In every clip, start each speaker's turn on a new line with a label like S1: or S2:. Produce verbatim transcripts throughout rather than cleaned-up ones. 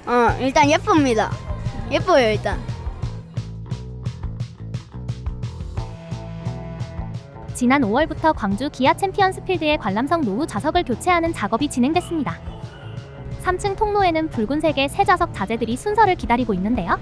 S1: 어, 일단 예쁩니다. 예뻐요, 일단.
S2: 지난 오월부터 광주 기아 챔피언스필드의 관람석 노후 좌석을 교체하는 작업이 진행됐습니다. 삼 층 통로에는 붉은색의 새 좌석 자재들이 순서를 기다리고 있는데요.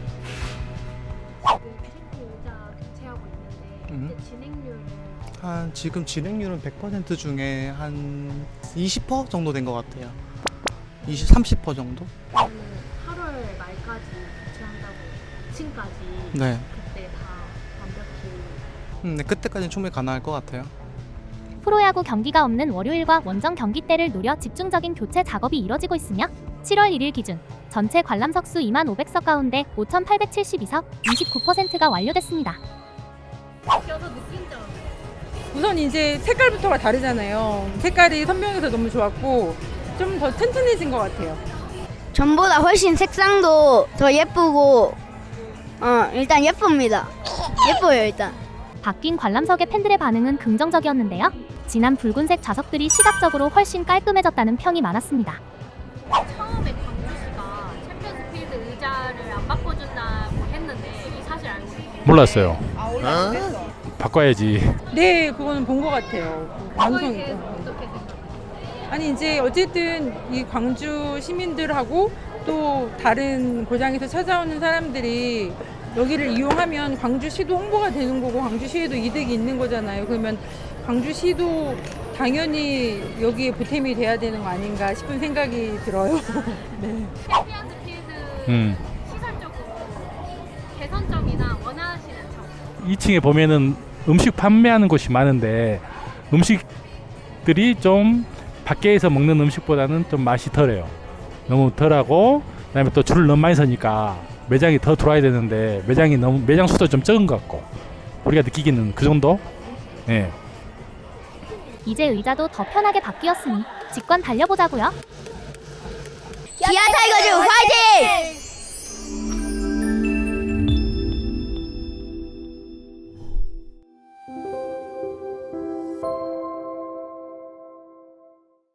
S3: 음. 한 지금 진행률은 백 퍼센트 중에 한 이십 퍼센트 정도 된 것 같아요. 이십, 삼십 퍼센트 정도?
S4: 팔월 말까지 교체한다고 층까지
S3: 네.
S4: 그때 다 완벽히
S3: 음, 네, 그때까지는 충분히 가능할 것 같아요.
S2: 프로야구 경기가 없는 월요일과 원정 경기 때를 노려 집중적인 교체 작업이 이뤄지고 있으며 칠월 일일 기준 전체 관람석 수 이만 오백 석 가운데 오천팔백칠십이 석, 이십구 퍼센트가 완료됐습니다.
S4: 껴서 느낀 점
S5: 우선 이제 색깔부터가 다르잖아요. 색깔이 선명해서 너무 좋았고 좀 더 튼튼해진 것 같아요.
S1: 전보다 훨씬 색상도 더 예쁘고, 어, 일단 예쁩니다. 예뻐요, 일단.
S2: 바뀐 관람석의 팬들의 반응은 긍정적이었는데요. 진한 붉은색 좌석들이 시각적으로 훨씬 깔끔해졌다는 평이 많았습니다.
S4: 처음에 광주시가 챔피언스필드 의자를 안 바꿔준다고 했는데 이 사실 알고 계세요?
S6: 몰랐어요.
S5: 아, 올라왔어?
S6: 바꿔야지.
S5: 네, 그거는 본 것 같아요. 방송에서.
S4: 어떻게 생각해요?
S5: 아니 이제 어쨌든 이 광주 시민들하고 또 다른 고장에서 찾아오는 사람들이 여기를 이용하면 광주시도 홍보가 되는 거고 광주시에도 이득이 있는 거잖아요. 그러면 광주시도 당연히 여기에 보탬이 돼야 되는 거 아닌가 싶은 생각이 들어요. 네.
S4: 챔피언스필드
S6: 음.
S4: 시설적으로 개선점이나 원하시는 점
S6: 이 층에 보면은 음식 판매하는 곳이 많은데 음식들이 좀 밖에서 먹는 음식보다는 좀 맛이 덜해요. 너무 덜하고 그다음에 또 줄을 너무 많이 서니까 매장이 더 들어와야 되는데 매장이 너무 매장 수도 좀 적은 것 같고 우리가 느끼기는 그 정도. 예.
S2: 이제 의자도 더 편하게 바뀌었으니 직관 달려보자고요.
S1: 기아 타이거즈 화이팅!